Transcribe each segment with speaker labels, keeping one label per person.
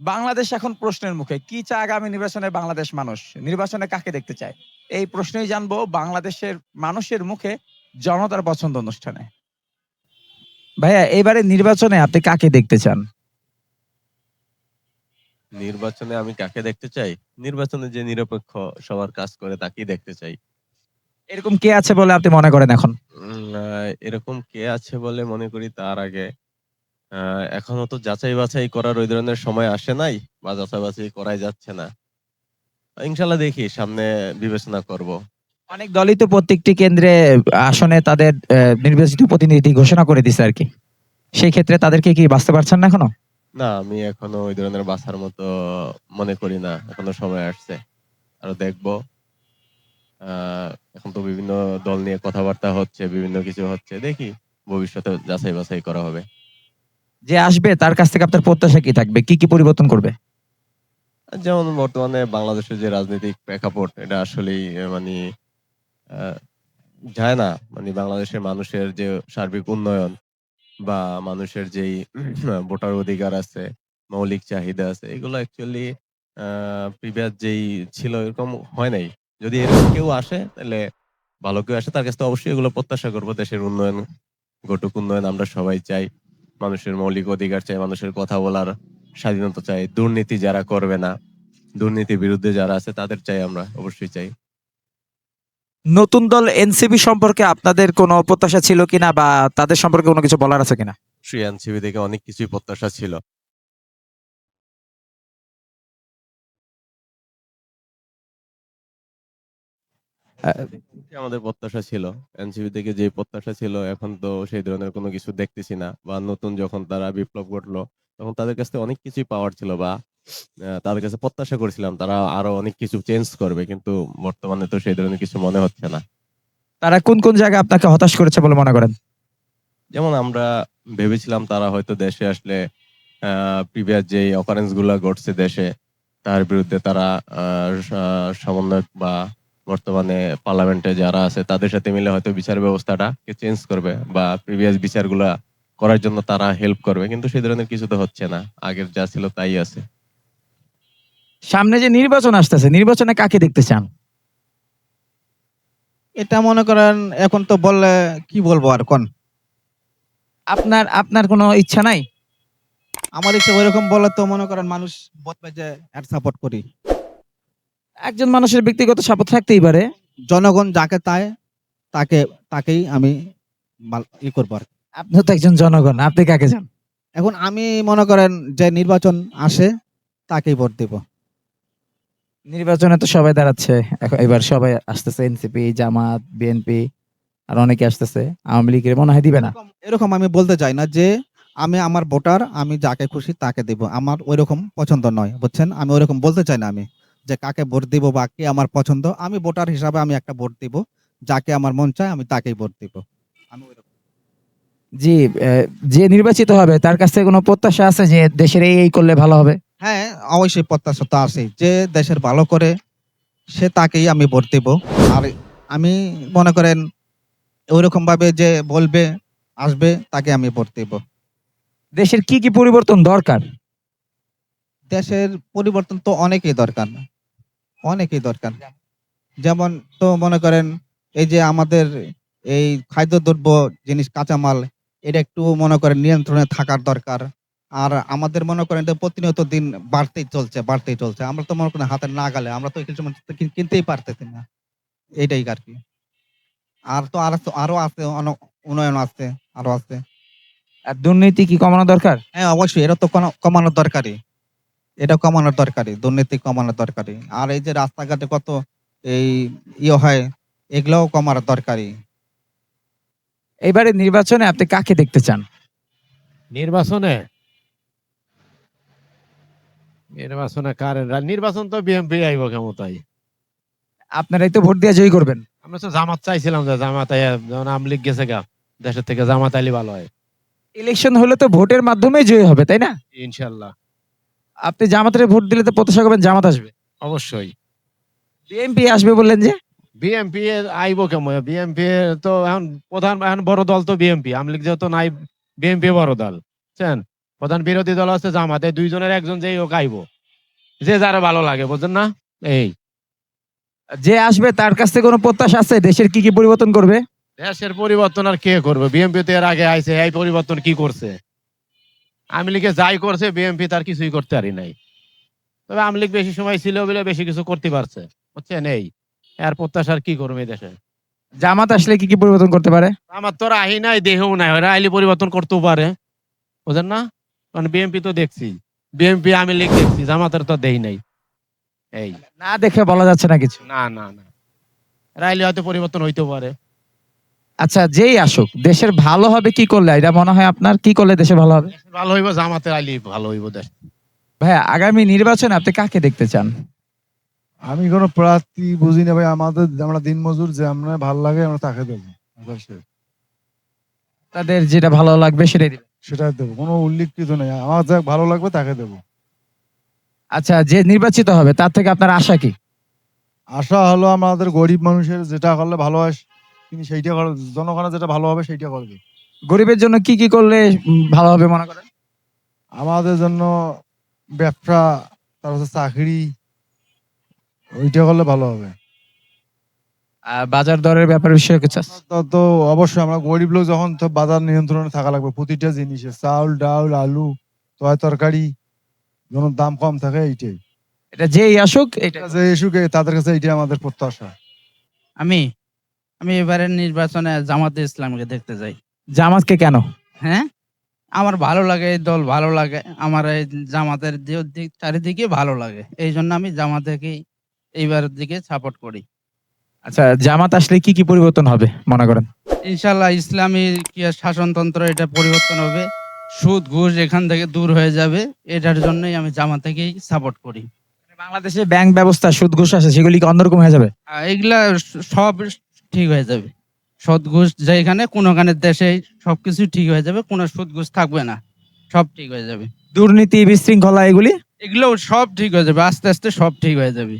Speaker 1: বাংলাদেশ এখন প্রশ্নের মুখে। কি চায় আগামী নির্বাচনে বাংলাদেশ মানুষ? নির্বাচনে কাকে দেখতে চায়? এই প্রশ্নই জানবো বাংলাদেশের মানুষের মুখে জনতার পছন্দ অনুষ্ঠানে। ভাইয়া এবারে নির্বাচনে আপনি কাকে দেখতে চান?
Speaker 2: নির্বাচনে আমি কাকে দেখতে চাই? নির্বাচনে যে নিরপেক্ষ সবার কাজ করে তাকেই দেখতে চাই।
Speaker 1: এরকম কে আছে বলে আপনি মনে করেন এখন?
Speaker 2: এরকম কে আছে বলে মনে করি তার আগে এখনো তো যাচাই-বাছাই করার ওই ধরনের সময় আসে নাই বা যাচাই-বাছাই করাই যাচ্ছে না। ইনশাআল্লাহ দেখি সামনে বিবেচনা করব।
Speaker 1: অনেক দলই তো প্রত্যেকটি কেন্দ্রে আসনে তাদের নির্বাচিত প্রতিনিধি ঘোষণা করে দিছে আরকি। সেই ক্ষেত্রে তাদেরকে কি বাছতে পারছেন না এখনো?
Speaker 2: না, আমি এখনো ওই ধরনের বাছার মতো মনে করি না। এখনো সময় আসছে। আরো দেখব। আ এখন তো বিভিন্ন দল নিয়ে কথাবার্তা হচ্ছে, বিভিন্ন কিছু হচ্ছে। দেখি ভবিষ্যতে যাচাই-বাছাই করা হবে।
Speaker 1: যে আসবে তার কাছ থেকে আপনার প্রত্যাশা কি থাকবে? কি, কি পরিবর্তন করবে?
Speaker 2: যেমন বর্তমানে বাংলাদেশের যে রাজনৈতিক প্রেক্ষাপট এটা আসলেই মানি আ যায় না। মানে বাংলাদেশের মানুষের যে সার্বিক উন্নয়ন বা মানুষের যেই ভোটার অধিকার আছে, মৌলিক চাহিদা আছে, এগুলো অ্যাকচুয়ালি আ প্রিভিয়াস যেই ছিল এরকম হয় নাই। যদি এরকম কেউ আসে তাইলে ভালো কেউ আসে তার কাছ থেকে অবশ্যই এগুলো প্রত্যাশা করব। দেশের উন্নয়ন ঘটুক, উন্নয়ন আমরা সবাই চাই। মানুষের মৌলিক অধিকার চাই, মানুষের কথা বলার স্বাধীনতা চাই। দুর্নীতি যারা করবে না, দুর্নীতির বিরুদ্ধে যারা আছে তাদের চাই আমরা, অবশ্যই চাই।
Speaker 1: নতুন দল এনসিপি সম্পর্কে আপনাদের কোনো প্রত্যাশা ছিল কিনা বা তাদের সম্পর্কে কোনো কিছু বলার আছে কিনা?
Speaker 2: অবশ্যই এনসিপি থেকে অনেক কিছুই প্রত্যাশা ছিল। আমাদের প্রত্যাশা ছিল। এনসিপি থেকে যে প্রত্যাশা ছিল এখন তো সেই ধরনের কোনো কিছু দেখতেছি না। বা নতুন যখন তারা বিপ্লব ঘটলো, তখন তাদের কাছ থেকে অনেক কিছুই পাওয়ার ছিল বা তাদের কাছে প্রত্যাশা করেছিলাম তারা আরো অনেক কিছু চেঞ্জ করবে। কিন্তু বর্তমানে তো সেই ধরনের কিছু মনে হচ্ছে না।
Speaker 1: তারা কোন, কোন জায়গায় আপনাকে হতাশ করেছে বলে মনে করেন?
Speaker 2: যেমন আমরা ভেবেছিলাম তারা হয়তো দেশে আসলে প্রিভিয়াস যেই অকারেন্স গুলা ঘটছে দেশে, তার বিরুদ্ধে তারা আ সা সমন্বয়ক বা বর্তমানে পার্লামেন্টে যারা আছে তাদের সাথে মিলে হয়তো বিচার ব্যবস্থাটাকে চেঞ্জ করবে বা প্রিভিয়াস বিচারগুলা করার জন্য তারা হেল্প করবে। কিন্তু সেই ধরনের কিছু তো হচ্ছে না। আগের যা ছিল তাই আছে।
Speaker 1: সামনে যে নির্বাচন আসতেছে, নির্বাচনে কাকে দেখতে চান?
Speaker 3: এটা মনে করেন এখন তো বললে কি বলবো আর কোন?
Speaker 1: আপনার আপনার কোনো ইচ্ছা নাই?
Speaker 3: আমার ইচ্ছা ওইরকম বলে তো মনে করেন মানুষ বলবে যে এর সাপোর্ট করি।
Speaker 1: একজন মানুষের ব্যক্তিগত সাপোর্ট থাকতেই পারে।
Speaker 3: জনগণ যাকে চায় তাকে তাকেই আমি করবো আর।
Speaker 1: আপনিও তো একজন জনগণ। আপনি কাকে চান?
Speaker 3: এখন আমি মনে করেন যে নির্বাচন আসে তাকেই ভোট দেব।
Speaker 1: নির্বাচনে তো সবাই দাঁড়াচ্ছে। এবার সবাই আসতেছে এনসিপি, জামাত, বিএনপি আর অনেকে আসতেছে। আওয়ামী লীগের মনে হয় দিবে না।
Speaker 3: এরকম আমি বলতে চাই না যে আমি আমার ভোটার আমি যাকে খুশি তাকে দেব। আমার ওইরকম পছন্দ নয়। বুঝছেন? আমি ওইরকম বলতে চাই না আমি। যে কাকে ভোট দিব বা কে আমার পছন্দ। আমি ভোটার হিসাবে আমি একটা ভোট দিব। যাকে আমার মন চায় আমি তাকেই ভোট দিব। আমি ওইরকম।
Speaker 1: জি, যে নির্বাচিত হবে তার কাছ থেকে কোনো প্রত্যাশা আছে যে দেশের এই করলে ভালো হবে?
Speaker 3: হ্যাঁ, অবশ্যই প্রত্যাশা তো আছেই। যে দেশের ভালো করে সে তাকেই আমি ভোট দেব। আর আমি মনে করেন ওইরকম ভাবে যে বলবে, আসবে তাকে আমি ভোট দেব।
Speaker 1: দেশের কি, কি পরিবর্তন দরকার?
Speaker 3: দেশের পরিবর্তন তো অনেকই দরকার। অনেকই দরকার। যেমন তো মনে করেন এই যে আমাদের এই খাদ্যদ্রব্য জিনিস কাঁচামাল এটা একটু মনে করেন নিয়ন্ত্রণে থাকার দরকার। আর আমাদের মনে করেন যে প্রতিনিয়ত দিন বাড়তেই চলছে। আমরা তো মনে করেন হাতের নাগালে আমরা তো কিছু কিনতেই পারতেছি না। এইটাই আরকি। আর তো আরো আছে উন্নয়ন আছে, আরো আছে।
Speaker 1: আর দুর্নীতি কি কমানো দরকার?
Speaker 3: হ্যাঁ, অবশ্যই এটা তো কমানোর দরকারই। এটা কমানোর দরকারই। দুর্নীতি কমানোর দরকারই। আর এই যে রাস্তাঘাটে কত এই হয় এগুলাও কমার দরকারই।
Speaker 1: এবারে নির্বাচনে আপনি কাকে দেখতে চান?
Speaker 4: নির্বাচনে নির্বাচনে কার নির্বাচন তো বিএনপি আইব ক্ষমতায়।
Speaker 1: আপনারাই তো ভোট দিয়ে জয়ী করবেন।
Speaker 4: আমরা তো জামাত চাইছিলাম যে জামাত আইয়া যখন আওয়ামী লীগ গেছে গা দেশের থেকে জামাত আইলে ভালো হয়
Speaker 1: ইলেকশন হলে তো ভোটের মাধ্যমেই জয়ী হবে, তাই না?
Speaker 4: ইনশাল্লাহ।
Speaker 1: আপনি জামাতের ভোট দিলে তো প্রত্যাশা করবেন জামাত আসবে।
Speaker 4: অবশ্যই
Speaker 1: বিএনপি আসবে বললেন যে?
Speaker 4: বিএনপি আইব কেমন? বিএনপি তো এখন প্রধান এখন বড় দল তো বিএনপি। আওয়ামী লীগ যেহেতু নাই বিএনপি বড় দল বুঝছেন। প্রধান বিরোধী দল হচ্ছে জামাতে, দুইজনের একজন যেই ও গাইবো, যে যারা ভালো লাগে, বুঝছেন না? এই
Speaker 1: যে আসবে তার কাছ থেকে কোনো প্রত্যাশা আছে দেশের কি কি পরিবর্তন করবে?
Speaker 4: দেশের পরিবর্তন আর কে করবে? বিএনপি তো এর আগে আইছে, এই পরিবর্তন কি করছে? আওয়ামী লীগে যাই করছে, বিএনপি তার কিছুই করতে পারি নাই। তবে আওয়ামী লীগ বেশি সময় ছিল বলে বেশি কিছু করতে পারছে, বুঝছেন? এই আর প্রত্যাশার কি করবে এই দেশে?
Speaker 1: জামাত আসলে কি কি পরিবর্তন করতে পারে?
Speaker 4: আমার তো আহি নাই, দেহও নাই, ওরা আইলে পরিবর্তন করতেও পারে, বুঝেন না? কারণ বিএনপি তো দেখছি, বিএনপি আওয়ামী লীগ দেখছি, জামাতের তো দেই নাই। এই
Speaker 1: না দেখে বলা যাচ্ছে না কিছু।
Speaker 4: না না না, এরা আইলে হয়তো পরিবর্তন হইতেও পারে।
Speaker 1: আচ্ছা, যেই আসুক দেশের ভালো হবে কি করলে, এটা মনে হয় আপনার? কি করলে দেশে ভালো হবে?
Speaker 4: ভালো হইব জামাতের আইলে ভালো হইব দেশ।
Speaker 1: ভাইয়া, আগামী নির্বাচনে আপনি কাকে দেখতে চান?
Speaker 5: আমি কোনো প্রার্থী বুঝি না ভাই, আমরা দিনমজুর, যে আমরা ভাল লাগে আমরা তাকে দেবো,
Speaker 1: তাদের যেটা ভালো লাগবে সেটাই দিবেন।
Speaker 5: সেটাই দেবো, কোনো উল্লেখিত নেই, আমার যা ভালো লাগবে তাকে দেবো।
Speaker 1: আচ্ছা, যে নির্বাচিত হবে তার থেকে আপনার আশা কি?
Speaker 5: আশা হলো আমাদের গরিব মানুষের যেটা করলে ভালো হয় তিনি সেইটা করে, জনগণের যেটা ভালো হবে সেইটা করবে।
Speaker 1: গরিবের জন্য কি কি করলে ভালো হবে মনে করেন?
Speaker 5: আমাদের জন্য ব্যবসা, তারপর চাকরি, ওইটা করলে ভালো হবে।
Speaker 1: বাজার দরের ব্যাপারে বিষয়ে কিছু আছে?
Speaker 5: তো অবশ্যই আমরা গরিব লোক, যখন তো বাজার নিয়ন্ত্রণে থাকা লাগবে, প্রতিটা জিনিসে চাউল ডাউল আলু তরকারি যেন দাম কম থাকে, এইটাই।
Speaker 1: এটা যেই আসুক এটা।
Speaker 5: যে ইস্যুকে তাদের কাছে এইটাই আমাদের প্রত্যাশা।
Speaker 6: আমি আমি এবারের নির্বাচনে জামাতে ইসলামকে দেখতে যাই।
Speaker 1: জামাতকে কেন?
Speaker 6: হ্যাঁ, আমার ভালো লাগে, এই দল ভালো লাগে আমার, এই জামাতের চারিদিকে ভালো লাগে, এই জন্য আমি জামাতেকেই এইবারের দিকে সাপোর্ট করি।
Speaker 1: আচ্ছা, জামাত আসলে কি কি পরিবর্তন হবে মনে করেন?
Speaker 6: ইনশাল্লাহ ইসলামী কি আর শাসনতন্ত্র, এটা পরিবর্তন হবে, সুদ ঘুষ এখান থেকে দূর হয়ে যাবে, এটার জন্যই আমি জামাতেকেই সাপোর্ট করি।
Speaker 1: বাংলাদেশে ব্যাংক ব্যবস্থা সুদ ঘুষ আছে, সেগুলি কি অন্যরকম হয়ে যাবে?
Speaker 6: এগুলা সব ঠিক হয়ে যাবে, সুদ ঘুষ যেখানে কোনোখানে দেশে সবকিছু ঠিক হয়ে যাবে, কোনো সুদ ঘুষ থাকবে না, সব ঠিক হয়ে যাবে।
Speaker 1: দুর্নীতি বিশৃঙ্খলা এগুলি
Speaker 6: এগুলো সব ঠিক হয়ে যাবে, আস্তে আস্তে সব ঠিক হয়ে যাবে।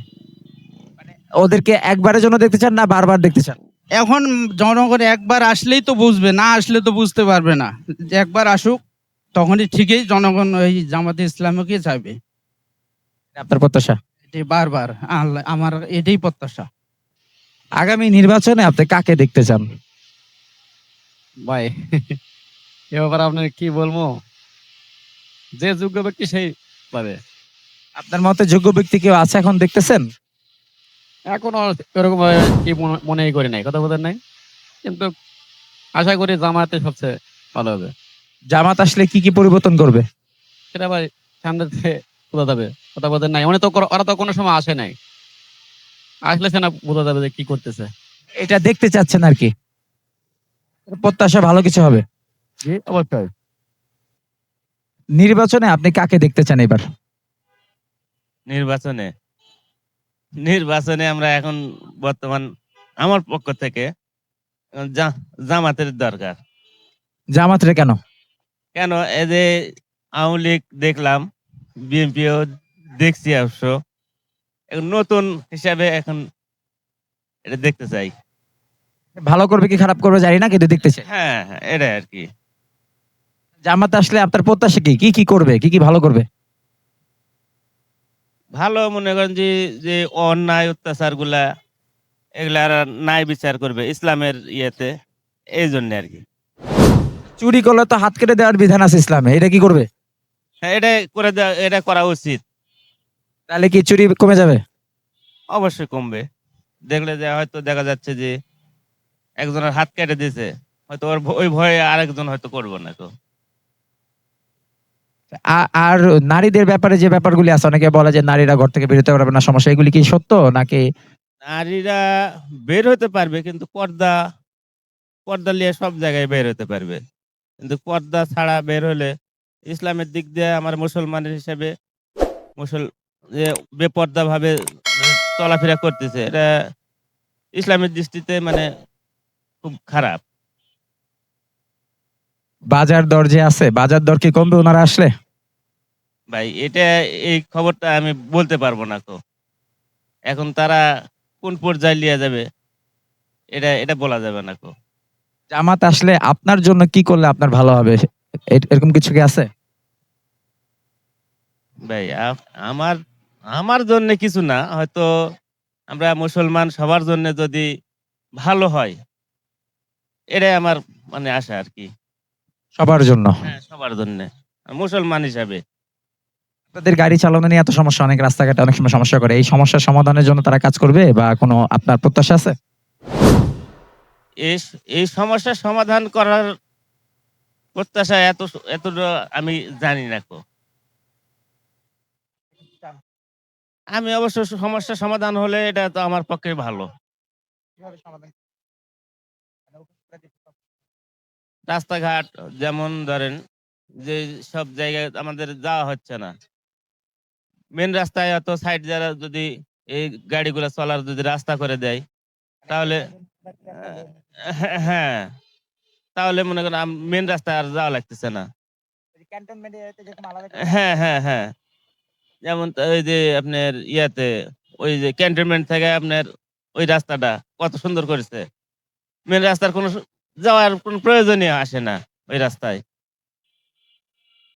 Speaker 1: ওদেরকে একবারের জন্য দেখতে চান না বারবার দেখতে চান?
Speaker 6: এখন জনগণ একবার আসলেই তো বুঝবে, না আসলে তো বুঝতে পারবে না। যে একবার আসুক, তখনই ঠিকই জনগণ ওই জামাতে ইসলামকে চাইবে।
Speaker 1: আপনার প্রত্যাশা?
Speaker 6: এটাই বারবার আমার এটাই প্রত্যাশা।
Speaker 1: আগামী নির্বাচনে আপনি কাকে দেখতে চান?
Speaker 7: ভাই এ ব্যাপারে আপনার কি বলবো, যে যোগ্য ব্যক্তি সেই পাবে।
Speaker 1: আপনার মতে যোগ্য ব্যক্তি কেউ আছে এখন দেখতেছেন?
Speaker 7: এখনো এরকম কি মনেই করি নাই, কথা বলেন নাই, কিন্তু আশা করি জামাতে সবচেয়ে ভালো হবে।
Speaker 1: জামাত আসলে কি কি পরিবর্তন করবে?
Speaker 7: সেটা ভাই সামনে থেকে বোঝা যাবে, কথা বলেন নাই, ওরা তো কোনো সময় আসে নাই, আসলে সে না বোঝা যাবে যে কি করতেছে।
Speaker 1: এটা দেখতে চাচ্ছেন আর কি, প্রত্যাশা ভালো কিছু হবে।
Speaker 7: জি অবশ্যই।
Speaker 1: নির্বাচনে আপনি কাকে দেখতে চান এবার?
Speaker 8: নির্বাচনে নির্বাচনে আমরা এখন বর্তমান আমার পক্ষ থেকে জামাতের দরকার।
Speaker 1: জামাতরে কেন?
Speaker 8: কেন, এই যে আওয়ামী লীগ দেখলাম, বিএনপিও দেখছি, অবশ্য এখন নতুন হিসাবে এখন এটা দেখতে চাই।
Speaker 1: ভালো করবে কি খারাপ করবে জানি না, কিন্তু দেখতে চাই।
Speaker 8: হ্যাঁ হ্যাঁ, এটাই আর কি।
Speaker 1: জামাত আসলে আপনার প্রত্যাশা কি, কি কি করবে, কি কি ভালো করবে?
Speaker 8: ভালো মনে করেন যে যে অন্যায় অত্যাচার গুলা, এগুলা আর ন্যায় বিচার করবে ইসলামের ইয়েতে, এই জন্য আর কি।
Speaker 1: চুরি করলে তো হাত কেটে দেওয়ার বিধান আছে ইসলামে, এটা কি করবে?
Speaker 8: হ্যাঁ, এটা করে দেওয়া, এটা করা উচিত।
Speaker 1: তাহলে কি চুরি কমে যাবে?
Speaker 8: অবশ্যই কমবে। দেখলে যে হয়তো দেখা যাচ্ছে যে একজনের হাত কেটে দিয়েছে, হয়তো ওই ভয়ে আরেকজন হয়তো করবো না। তো
Speaker 1: আর নারীদের ব্যাপারে যে ব্যাপারগুলি আছে, অনেকে বলে যে নারীরা ঘর থেকে বেরোতে পারবে না, সমস্যা, এগুলি কি সত্য নাকি?
Speaker 8: নারীরা বের হতে পারবে, কিন্তু পর্দা পর্দা নিয়ে সব জায়গায় বের হতে পারবে, কিন্তু পর্দা ছাড়া বের হলে ইসলামের দিক দিয়ে আমার মুসলমানের হিসেবে যে বেপর্দা ভাবে চলাফেরা করতেছে, এটা ইসলামের দৃষ্টিতে মানে খুব খারাপ।
Speaker 1: বাজার দর যে আছে, বাজার দর কি কমবে ওনারা আসলে?
Speaker 8: ভাই এটা, এই খবরটা আমি বলতে পারবো না। তো এখন তারা কোন পর্যায়ে নিয়ে যাবে, এটা এটা বলা যাবে না। তো
Speaker 1: জামাত আসলে আপনার জন্য কি করলে আপনার ভালো হবে, এরকম কিছু কি আছে?
Speaker 8: ভাই আমার আমার জন্য কিছু না, হয়তো আমরা মুসলমান সবার জন্য যদি ভালো হয়, এটাই আমার মানে আশা আর কি।
Speaker 1: সবার জন্য।
Speaker 8: হ্যাঁ, সবার জন্য মুসলমান হিসাবে।
Speaker 1: তাদের গাড়ি চালানো নিয়ে এত সমস্যা, অনেক রাস্তাঘাটে অনেক সময় সমস্যা করে, এই সমস্যার সমাধানের জন্য তারা কাজ করবে বা কোনো আপনার প্রত্যাশা আছে?
Speaker 8: এই এই সমস্যার সমাধান করার প্রত্যাশা এতটা আমি জানি না কো। আমি অবশ্য সমস্যার সমাধান হলে এটা তো আমার পক্ষে ভালো। রাস্তাঘাট যেমন ধরেন যে সব জায়গায় আমাদের যাওয়া হচ্ছে না, মেন রাস্তায় এত সাইড যারা যদি এই গাড়িগুলো চলার যদি রাস্তা করে দেয়, তাহলে হ্যাঁ, তাহলে মনে করেন মেন রাস্তায় আর যাওয়া লাগতেছে না। হ্যাঁ, হ্যাঁ, হ্যাঁ। যেমন ওই যে আপনার ইয়াতে ওই যে ক্যান্টনমেন্ট থেকে আপনার ওই রাস্তাটা কত সুন্দর করেছে। মেন রাস্তার কোনো যাওয়ার কোনো প্রয়োজনই আসে না ওই রাস্তায়।